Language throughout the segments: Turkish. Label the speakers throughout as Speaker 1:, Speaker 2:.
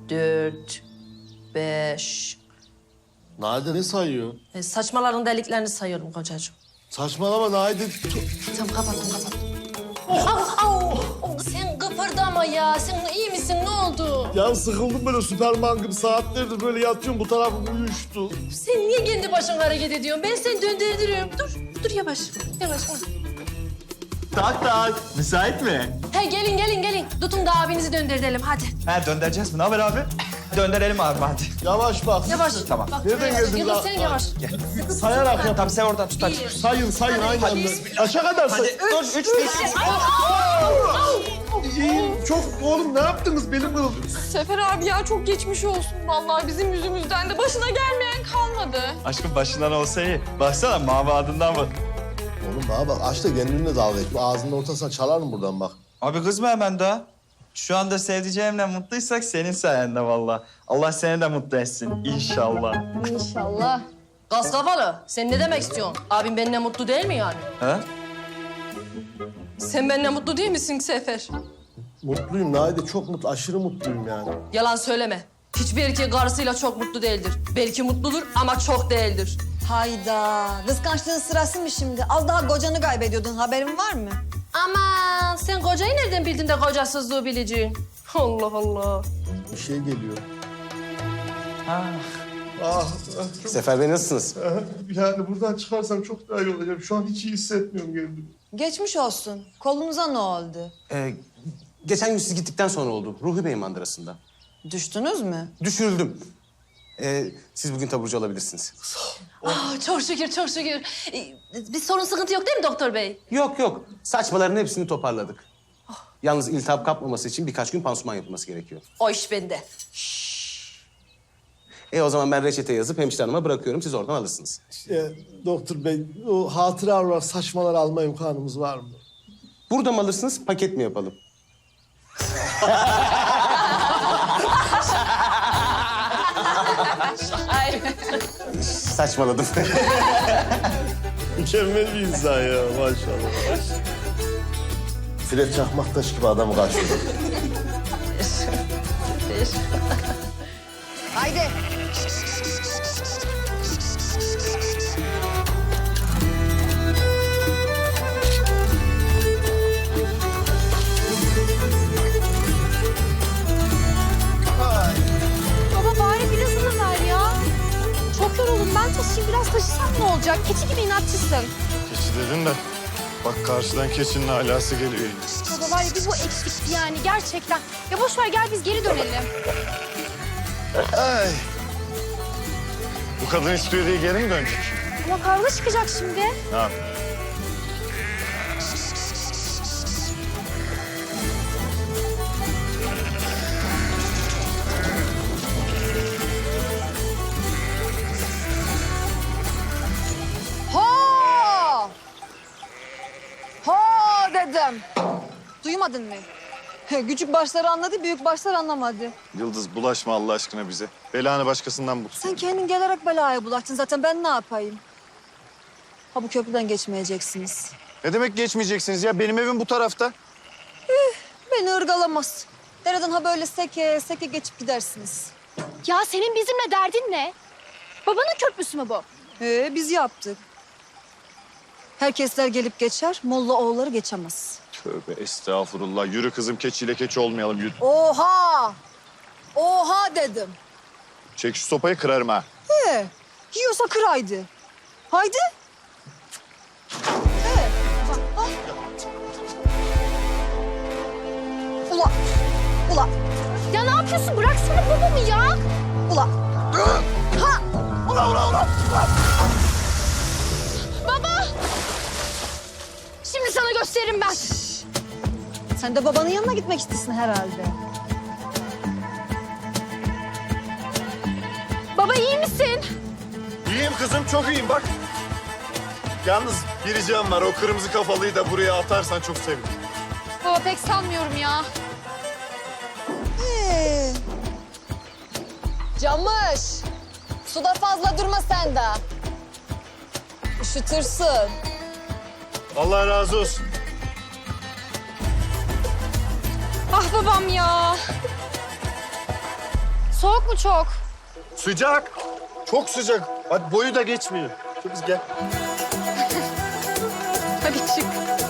Speaker 1: 4, 5.
Speaker 2: Naide ne sayıyor?
Speaker 1: Saçmaların deliklerini sayıyorum kocacığım.
Speaker 2: Saçmalama Naide.
Speaker 1: Tamam kapattım. Sen kıpırdama ya. Sen iyi misin? Ne oldu?
Speaker 2: Ya sıkıldım böyle Süperman gibi saatlerdir böyle yatıyorum bu tarafım uyuştu.
Speaker 1: Sen niye kendi başına hareket ediyorsun? Ben seni döndürürüm. Dur yavaş. Yavaş.
Speaker 3: Tak. Müsait mi?
Speaker 1: He gelin. Tutun da abinizi döndürelim hadi.
Speaker 3: Ha döndüreceğiz mi? Ne haber abi? Döndürelim abi hadi.
Speaker 2: Yavaş bak.
Speaker 1: Yavaş.
Speaker 3: Tamam.
Speaker 1: Bak,
Speaker 2: Nereden
Speaker 1: yavaş.
Speaker 2: geldin
Speaker 1: Yılmaz
Speaker 2: lan?
Speaker 1: sen yavaş.
Speaker 2: Sayarak yap.
Speaker 3: Tamam sen oradan tut hadi.
Speaker 2: Sayın aynı anda. Aşağı kadar say.
Speaker 3: Dur 3 5.
Speaker 2: İyiyim çok. Oğlum ne yaptınız benim kırıldı.
Speaker 4: Sefer abi ya çok geçmiş olsun vallahi bizim yüzümüzden de başına gelmeyen kalmadı.
Speaker 3: Aşkım başından olsa iyi. Baksana mavi adından bak.
Speaker 2: Oğlum bana bak aç da kendinle dalga geç. Bu ağzının ortasına çalarım buradan bak.
Speaker 3: Abi kızma hemen daha. Şu anda sevdiceğimle mutluysak senin sayende vallahi. Allah seni de mutlu etsin inşallah.
Speaker 4: İnşallah.
Speaker 1: Gaz kafalı. Sen ne demek istiyorsun? Abim benimle mutlu değil mi yani?
Speaker 3: Ha?
Speaker 1: Sen benimle mutlu değil misin Sefer?
Speaker 2: Mutluyum Naide çok mutlu. Aşırı mutluyum yani.
Speaker 1: Yalan söyleme. Hiçbir erkek karısıyla çok mutlu değildir. Belki mutludur ama çok değildir.
Speaker 5: Hayda. Kıskançlığın sırası mı şimdi? Az daha kocanı kaybediyordun. Haberin var mı?
Speaker 1: Aman sen kocayı nereden bildin de kocasızlığı bileceğin? Allah Allah.
Speaker 2: Bir şey geliyor.
Speaker 3: Ha.
Speaker 2: Ah,
Speaker 6: Sefer Bey nasılsınız?
Speaker 2: yani buradan çıkarsam çok daha iyi olacağım. Şu an hiç iyi hissetmiyorum kendimi.
Speaker 5: Geçmiş olsun. Kolunuza ne oldu?
Speaker 6: Geçen gün siz gittikten sonra oldu. Ruhi Bey mandırasında.
Speaker 5: Düştünüz mü?
Speaker 6: Düşürüldüm. Siz bugün taburcu olabilirsiniz.
Speaker 1: Çok şükür. Bir sorun sıkıntı yok değil mi doktor bey?
Speaker 6: Yok. Saçmaların hepsini toparladık. Yalnız iltihap kapmaması için birkaç gün pansuman yapılması gerekiyor.
Speaker 1: O iş bende.
Speaker 6: O zaman ben reçete yazıp hemşire hanıma bırakıyorum. Siz oradan alırsınız.
Speaker 2: Doktor bey, o hatıra olarak saçmalar alma imkanımız var mı?
Speaker 6: Burada mı alırsınız, paket mi yapalım? Saçmaladım.
Speaker 2: Mükemmel bir insan ya maşallah. Fred Çakmaktaş gibi adamı karşılıyor.
Speaker 5: Haydi.
Speaker 4: Baba bari birazını ver ya. Çok yoruldum ben taşıyayım biraz taşısam ne olacak? Keçi gibi inatçısın.
Speaker 7: Keçi dedin de bak karşıdan keçinin alası geliyor yine.
Speaker 4: Baba var ya bir bu eksikti yani gerçekten. Ya boş ver gel biz geri dönelim.
Speaker 7: Ay. Bu kadın istiyor diye geri mi dönecek?
Speaker 4: Ama kavga çıkacak şimdi.
Speaker 7: Ne yap?
Speaker 5: Ho! Ho dedim. Duymadın mı? Küçük başları anladı, büyük başlar anlamadı.
Speaker 7: Yıldız bulaşma Allah aşkına bize. Belanı başkasından bul.
Speaker 5: Sen kendin gelerek belaya bulaştın zaten. Ben ne yapayım? Ha bu köprüden geçmeyeceksiniz.
Speaker 7: Ne demek geçmeyeceksiniz ya? Benim evim bu tarafta.
Speaker 5: Beni ırgalamaz. Dereden ha böyle seke seke geçip gidersiniz.
Speaker 4: Ya senin bizimle derdin ne? Babanın köprüsü mü bu?
Speaker 5: Biz yaptık. Herkesler gelip geçer, Molla oğulları geçemez.
Speaker 7: Tövbe estağfurullah. Yürü kızım keçiyle keçi olmayalım yürü.
Speaker 5: Oha! Oha dedim.
Speaker 7: Çek şu sopayı kırarım ha.
Speaker 5: Yiyorsa kıraydı. Haydi. Bak, ah. Ula, ula,
Speaker 4: Ya ne yapıyorsun? Bıraksana babamı ya.
Speaker 5: ula. Ha!
Speaker 4: Baba! Şimdi sana gösteririm ben.
Speaker 5: Sen de babanın yanına gitmek istesin herhalde.
Speaker 4: Baba iyi misin?
Speaker 7: İyiyim kızım çok iyiyim bak. Yalnız bir ricam var. O kırmızı kafalıyı da buraya atarsan çok sevinirim.
Speaker 4: Baba pek sanmıyorum ya.
Speaker 5: Camış, suda fazla durma sen de. Üşütürsün.
Speaker 7: Allah razı olsun.
Speaker 4: Ah babam ya. Soğuk mu çok?
Speaker 7: Sıcak. Çok sıcak. Hadi boyu da geçmiyor. Kız gel.
Speaker 4: Hadi çık.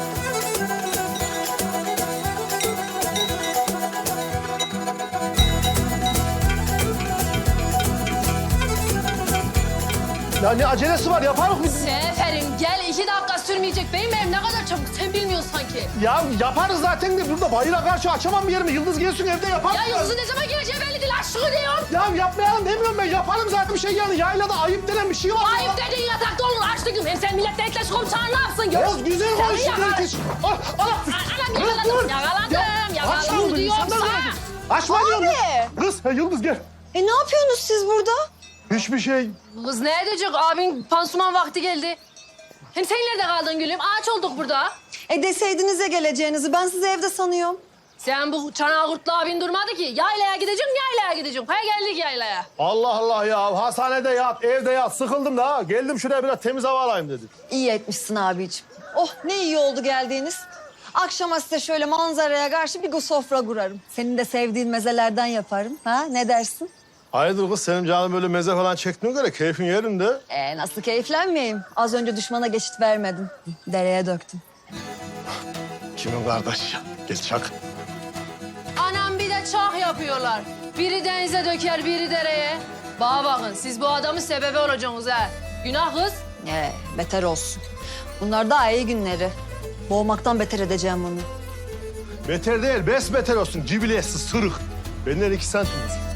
Speaker 2: Ya ne acelesi var yaparız biz.
Speaker 1: Seferim gel 2 dakika sürmeyecek. Benim evim ne kadar çabuk sen bilmiyorsun sanki.
Speaker 2: Ya yaparız zaten de burada bayıra karşı açamam bir yerimi. Yıldız gelsin evde yaparız.
Speaker 1: Ya Yıldız'ın ne zaman geleceği belli değil aşkı diyorum.
Speaker 2: Ya yapmayalım demiyorum ben. Yaparım zaten bir şey yani. Yaylada ayıp denen bir şey var.
Speaker 1: Ayıp dediğin yatakta olur açlıkım. Hem sen milletle etleş komşan ne yapsın gör.
Speaker 2: Oğuz güzel
Speaker 1: Sen
Speaker 2: konuştun
Speaker 1: yakala-
Speaker 2: herkes. Anam.
Speaker 1: Anam yakaladım, yakaladım diyorsa.
Speaker 2: Açma diyorum. Kız Yıldız gel.
Speaker 5: Ne yapıyorsunuz siz burada?
Speaker 2: Hiçbir şey.
Speaker 1: Kız ne edecek? Abin pansuman vakti geldi. Hem sen nerede kaldın gülüm? Ağaç olduk burada.
Speaker 5: Deseydiniz ya geleceğinizi. Ben sizi evde sanıyorum.
Speaker 1: Sen bu çanağı kurtlu abin durmadı ki. Yaylaya gideceğim, yaylaya gideceğim. Ha geldik yaylaya.
Speaker 2: Allah Allah ya. Hastanede yat, evde yat. Sıkıldım da ha. Geldim şuraya biraz temiz hava alayım dedim.
Speaker 5: İyi etmişsin abiciğim. Oh ne iyi oldu geldiğiniz. Akşama size şöyle manzaraya karşı bir sofra kurarım. Senin de sevdiğin mezelerden yaparım. Ha ne dersin?
Speaker 2: Hayırdır kız senin canın böyle meze falan çektiğine göre keyfin yerinde.
Speaker 5: Nasıl keyiflenmeyeyim? Az önce düşmana geçit vermedim. Dereye döktüm.
Speaker 2: Kimin kardeş ya? Gel çak.
Speaker 1: Anam bir de çak yapıyorlar. Biri denize döker, biri dereye. Bana bakın siz bu adamın sebebi olacaksınız ha. Günah kız.
Speaker 5: Beter olsun. Bunlar daha iyi günleri. Boğmaktan beter edeceğim onu.
Speaker 2: Beter değil, besbeter olsun. Cibiletsiz, sırık. Benden 2 santim uzun.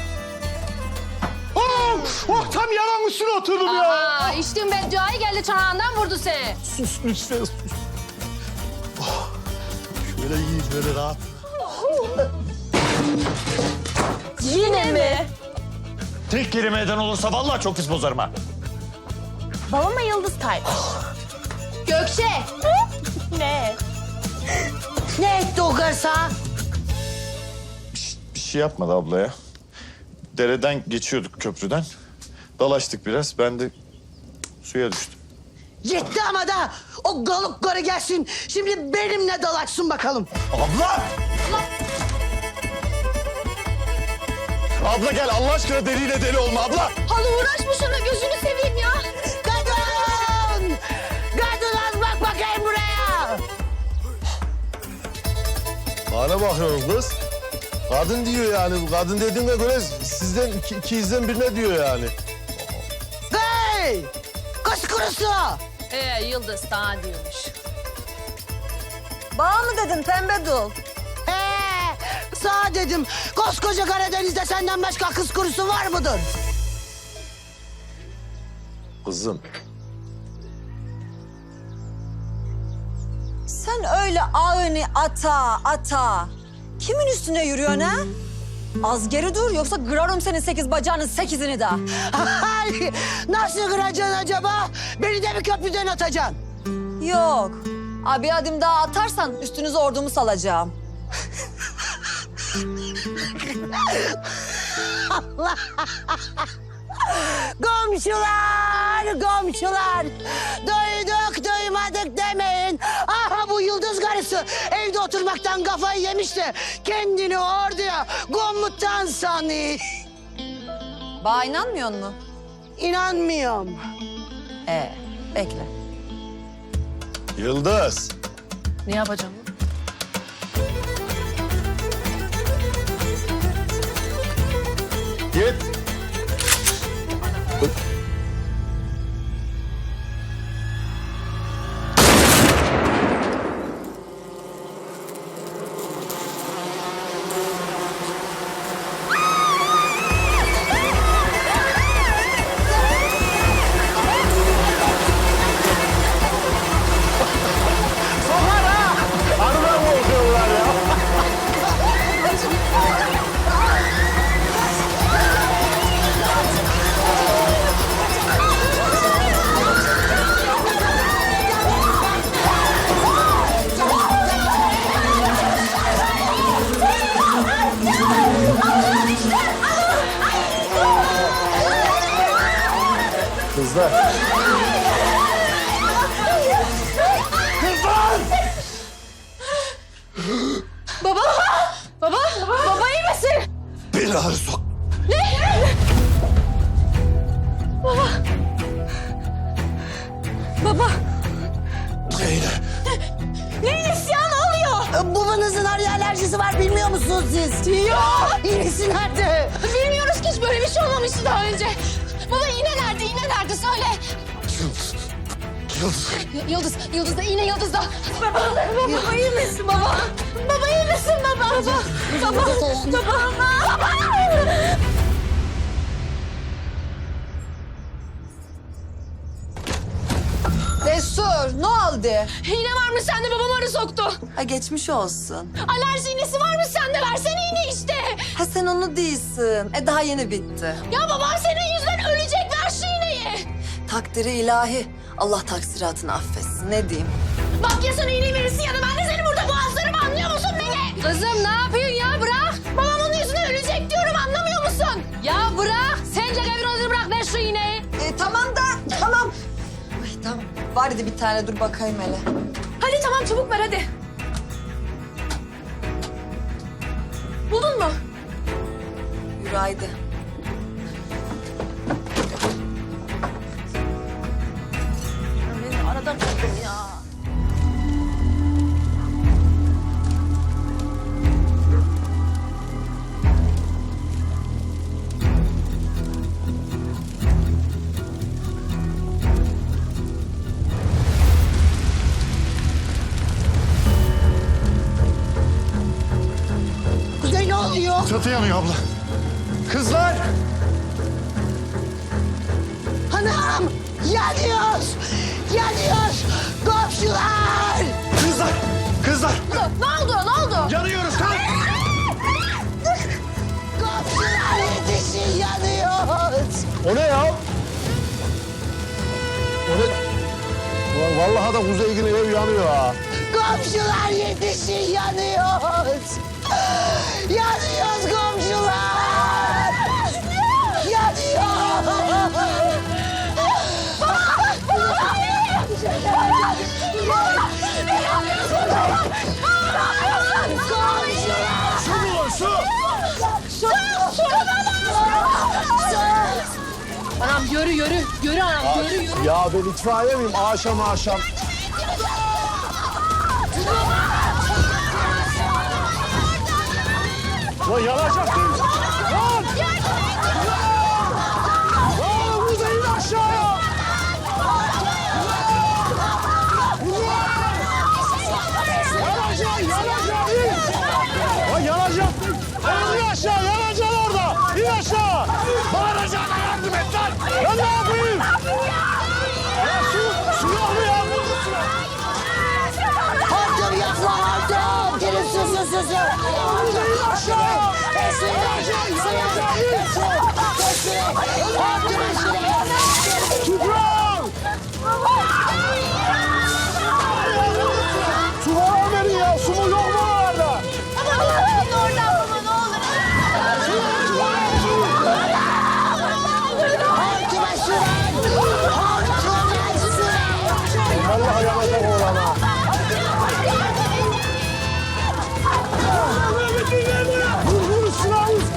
Speaker 2: Oh, tam yalan üstüne oturdum ya.
Speaker 1: Aha içtin bedduayı geldi çanağından vurdu seni.
Speaker 2: Sus lütfen sus. Oh, şöyle iyi, böyle rahat.
Speaker 1: Yine mi?
Speaker 8: Tek kelimeden olursa vallahi çok pis bozarım ha.
Speaker 4: Babama Yıldız kardeş.
Speaker 1: Gökçe.
Speaker 4: Ne?
Speaker 9: Ne etti o garsa?
Speaker 8: Bir şey yapmadı abla ya. Dereden geçiyorduk köprüden. Dalaştık biraz. Ben de suya düştüm.
Speaker 9: Yetti ama da o galık garı gelsin. Şimdi benimle dalaşsın bakalım.
Speaker 8: Abla! Abla gel Allah aşkına deliyle deli olma abla.
Speaker 4: Hala uğraşma şuna gözünü seveyim ya.
Speaker 9: Kadın! Kadın az bak bakayım buraya.
Speaker 2: Bana bakıyorum kız. Kadın diyor yani. Bu kadın dediğine göre sizden ikizden birine diyor yani.
Speaker 9: Hey! Kız kurusu!
Speaker 1: Yıldız sana diyormuş.
Speaker 5: Bağ mı dedin pembe dul?
Speaker 9: Sağ dedim. Koskoca Karadeniz'de senden başka kız kurusu var mıdır?
Speaker 2: Kızım.
Speaker 5: Sen öyle ağını ata. Kimin üstüne yürüyorsun ha? Az geri dur yoksa kırarım senin 8 bacağının 8'ini de.
Speaker 9: Ay, nasıl kıracaksın acaba? Beni de mi köprüden atacaksın?
Speaker 5: Yok. Abi adım daha atarsan üstünüze ordumu salacağım.
Speaker 9: Komşular! Duyduk duymadık demeyin. Aha bu Yıldız karısı evde oturmaktan kafayı yemiş de kendini orduya komutan sanıyor.
Speaker 5: Bana inanmıyor musun?
Speaker 9: İnanmıyorum.
Speaker 5: Bekle.
Speaker 2: Yıldız.
Speaker 1: Ne yapacağım?
Speaker 2: Git. Arıdan korkuyorlar ya. Kızlar.
Speaker 1: Baba iyi misin?
Speaker 8: Beni sok.
Speaker 4: Baba.
Speaker 9: Babanızın arıya alerjisi var bilmiyor musunuz siz? Yok. İğnesi nerede?
Speaker 4: Bilmiyoruz ki hiç böyle bir şey olmamıştı daha önce. Baba iğne nerede? İğne nerede? Söyle. Yıldız da iğne Yıldız'da. Baba iyi misin baba? Baba iyi misin baba? Baba.
Speaker 5: Destur ne oldu?
Speaker 1: İğne varmış sende, babam arı soktu.
Speaker 5: Ha geçmiş olsun.
Speaker 1: Alerji iğnesi varmış sende, versene iğne işte.
Speaker 5: Ha sen onu değilsin. Daha yeni bitti.
Speaker 1: Ya babam senin yüzünden ölecek, ver şu iğneyi.
Speaker 5: Takdiri ilahi. Allah taksiratını affetsin. Ne diyeyim?
Speaker 1: Bak ya sana iğneyi verirsin ya da ben de seni burada boğazlarım, anlıyor musun beni? Kızım ne yapıyorsun ya, bırak. Babam onun yüzünden ölecek diyorum, anlamıyor musun? Ya bırak, sence gavinozu bırak, ver şu iğneyi.
Speaker 5: Tamam da tamam. Ay tamam. Var idi bir tane dur bakayım hele.
Speaker 1: Hadi tamam, çabuk ver hadi. Buldun mu?
Speaker 5: Yürü haydi.
Speaker 1: Beni arada buldum ya.
Speaker 9: Kuzey ne oluyor?
Speaker 8: Çatı yanıyor abla. Kızlar!
Speaker 9: Anam yanıyor. Yanıyor. Komşular.
Speaker 8: Kızlar! Kızlar!
Speaker 1: Ne oldu?
Speaker 8: Yanıyoruz kalk!
Speaker 9: Komşular yetişin yanıyor.
Speaker 2: O ne ya? O ne? Ulan vallahi da Kuzey yine ev yanıyor ha.
Speaker 9: Komşular yetişin yanıyoruz. Yanıyoruz komşular. Yanıyor.
Speaker 1: Anam yürü anam, yürü.
Speaker 2: Ya ben itfaiye miyim? Akşam. Lan yanacak mıyız? Lan! Lan Kuzey in aşağıya! Yanacak in! Lan yanacak! Lan in aşağı, yanacaksın orada! İn aşağı! Bağıracağına yardım et lan! Ben ne yapayım? Ya su yok mu ya?
Speaker 9: Hortum yapma hortum. Gelin su.
Speaker 2: İn aşağı! Tufran! Su var verin ya, su mu yok mu orada? Vallahi yanacak oğlan ha. Vur üstüne vur.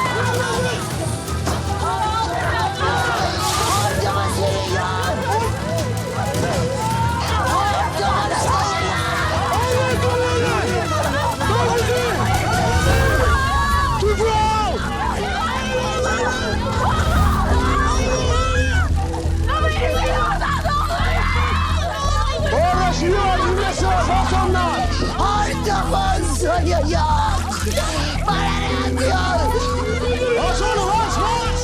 Speaker 2: Tufran! Orada şey var, dinlesin balkonda.
Speaker 9: Hortumun suyu yok. Bana ne diyor?
Speaker 2: Aç onu, aç!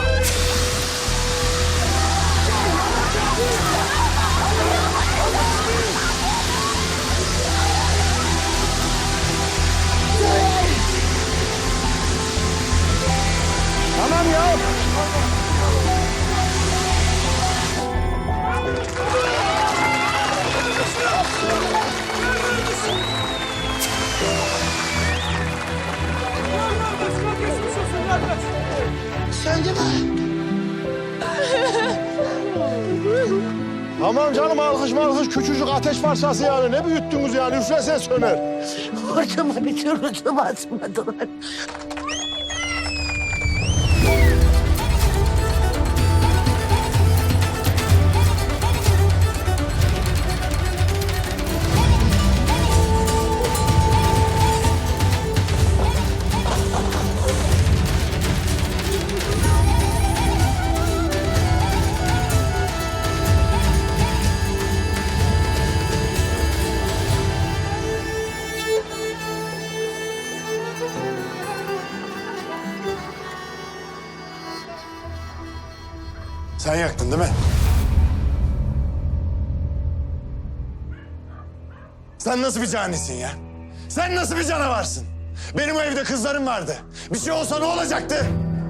Speaker 2: Tamam ya.
Speaker 9: Söndü mü?
Speaker 2: Tamam canım, alkış küçücük ateş parçası yani. Ne büyüttünüz yani, üflesen söner.
Speaker 9: Hortuma bir türlü su basmadılar.
Speaker 7: Sen yaktın değil mi? Sen nasıl bir canisin ya? Sen nasıl bir canavarsın? Benim o evde kızlarım vardı. Bir şey olsa ne olacaktı?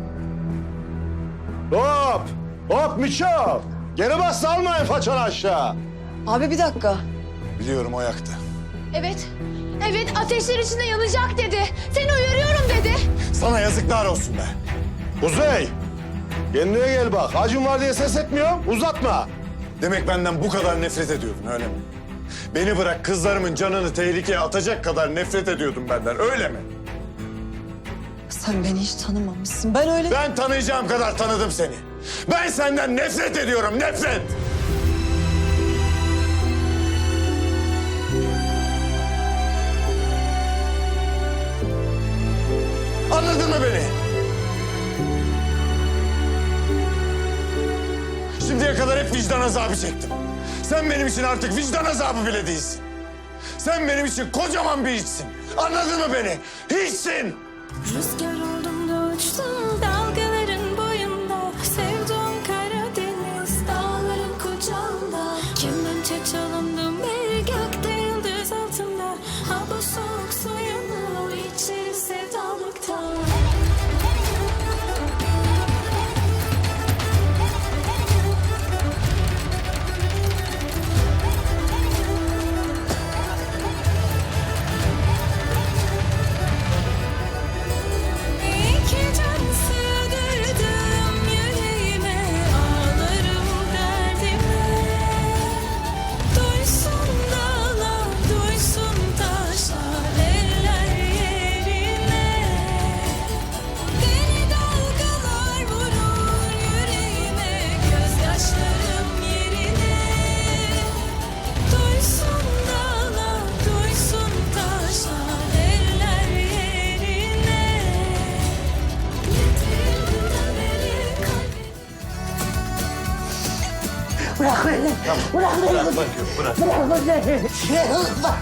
Speaker 2: Hop! Hop Miço! Geri bas salmayın façanı aşağı.
Speaker 5: Abi bir dakika.
Speaker 7: Biliyorum o yaktı.
Speaker 1: Evet. Evet ateşler içinde yanacak dedi. Seni uyarıyorum dedi.
Speaker 7: Sana yazıklar olsun be.
Speaker 2: Kuzey! Kendine gel bak. Acım var diye ses etmiyorum. Uzatma.
Speaker 7: Demek benden bu kadar nefret ediyordun öyle mi? Beni bırak kızlarımın canını tehlikeye atacak kadar nefret ediyordun benden öyle mi?
Speaker 5: Sen beni hiç tanımamışsın. Ben öyle...
Speaker 7: Ben tanıyacağım kadar tanıdım seni. Ben senden nefret ediyorum, nefret! Anladın mı beni? Şimdiye kadar hep vicdan azabı çektim. Sen benim için artık vicdan azabı bile değilsin. Sen benim için kocaman bir hiçsin. Anladın mı beni? Hiçsin!
Speaker 10: Rüzgar oldum da uçtum dalgaların boyunda. Sevdum Karadeniz dağların kucağında. Kemençe çalındım bir gökte yıldız altında. Ha bu soğuk suyunu içir sevdalıktan. İki can sığdırdım yüreğime, ağlarım derdime. Duysun dağlar, duysun taşlar, eller yerine. Deli dalgalar vurur yüreğime, gözyaşlarım yerine. Duysun dağlar, duysun taşlar, eller yerine. Yetimden beri kalbim.
Speaker 9: Bırak beni. Bırak beni. Bırak beni. Bırak.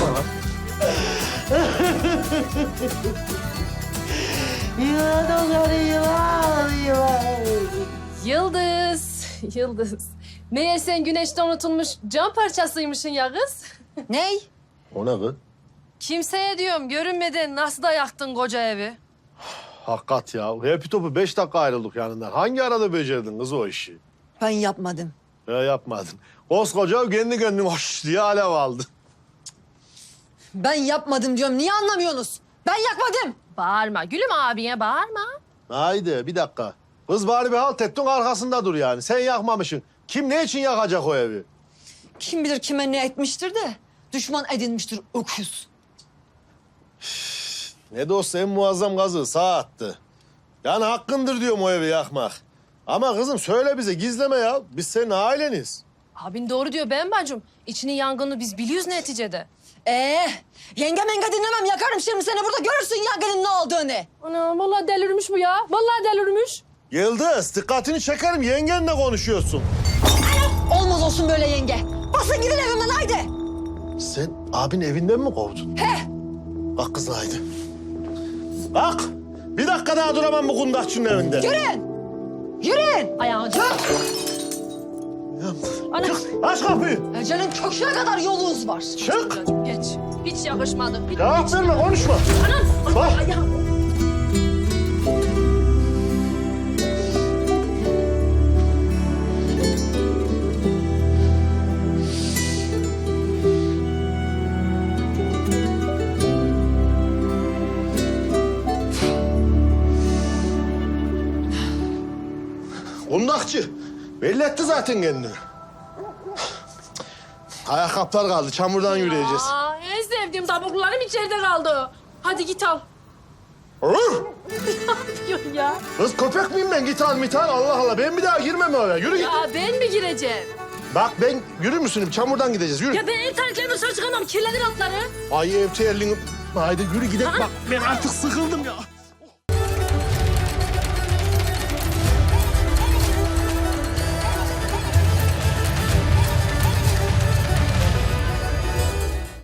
Speaker 9: Yılan o yılan, yılan.
Speaker 1: Yıldız. Yıldız. Meğer sen güneşte unutulmuş cam parçasıymışsın ya kız.
Speaker 5: Ney?
Speaker 2: O ne kız?
Speaker 1: Kimseye diyorum görünmeden nasıl da yaktın koca evi.
Speaker 2: Hakikat ya. Hepi topu 5 dakika ayrıldık yanından. Hangi arada becerdin kız o işi?
Speaker 5: Ben yapmadım.
Speaker 2: Yapmadın. Koskoca kendi kendine hoş diye alev aldı.
Speaker 5: Ben yapmadım diyorum. Niye anlamıyorsunuz? Ben yakmadım.
Speaker 1: Bağırma gülüm abine bağırma.
Speaker 2: Haydi bir dakika. Kız bari bir halt ettin arkasında dur yani. Sen yakmamışsın. Kim ne için yakacak o evi?
Speaker 5: Kim bilir kime ne etmiştir de düşman edinmiştir öküz.
Speaker 2: Ne de olsa en muazzam gazı sağ attı. Yani hakkındır diyorum o evi yakmak. Ama kızım söyle bize gizleme ya. Biz senin aileniz.
Speaker 1: Abin doğru diyor ben bacım. İçinin yangını biz biliyoruz neticede.
Speaker 5: Yenge menge dinlemem. Yakarım şimdi seni burada görürsün yangının ne olduğunu.
Speaker 1: Ana vallahi delirmiş bu ya. Vallahi delirmiş.
Speaker 2: Yıldız dikkatini çekerim yengenle konuşuyorsun.
Speaker 5: Olmaz olsun böyle yenge. Basın gidin evimden haydi.
Speaker 2: Sen abin evinden mi kovdun?
Speaker 5: He.
Speaker 2: Bak kız haydi. Bak bir dakika daha duramam bu kundakçının evinde.
Speaker 5: Yürüyün. Yürüyün.
Speaker 1: Ayağını çek. Ana.
Speaker 2: Çık aç kapıyı.
Speaker 5: Ece'nin köküne kadar yolunuz var.
Speaker 2: Çık.
Speaker 1: Geç. Hiç yakışmadı. Hiç.
Speaker 2: Cevap verme konuşma.
Speaker 1: Anam.
Speaker 2: Bak.
Speaker 1: Ayağım.
Speaker 2: Kundakçı. Belli etti zaten kendini. Ayakkabılar kaldı. Çamurdan yürüyeceğiz.
Speaker 1: Aa, en sevdiğim tabaklarım içeride kaldı. Hadi git al.
Speaker 2: Olur.
Speaker 1: Ne yapıyorsun ya?
Speaker 2: Kız köpek miyim ben? Git al mit al. Allah Allah. Ben bir daha girmem oraya. Yürü git.
Speaker 1: Ya ben mi gireceğim?
Speaker 2: Bak ben yürür müsün? Çamurdan gideceğiz. Yürü.
Speaker 1: Ya ben ev terliklerimle dışarı çıkamam. Kirlenir altları.
Speaker 2: Ay ev terliğini. Haydi yürü gidelim. Bak ben artık sıkıldım ya.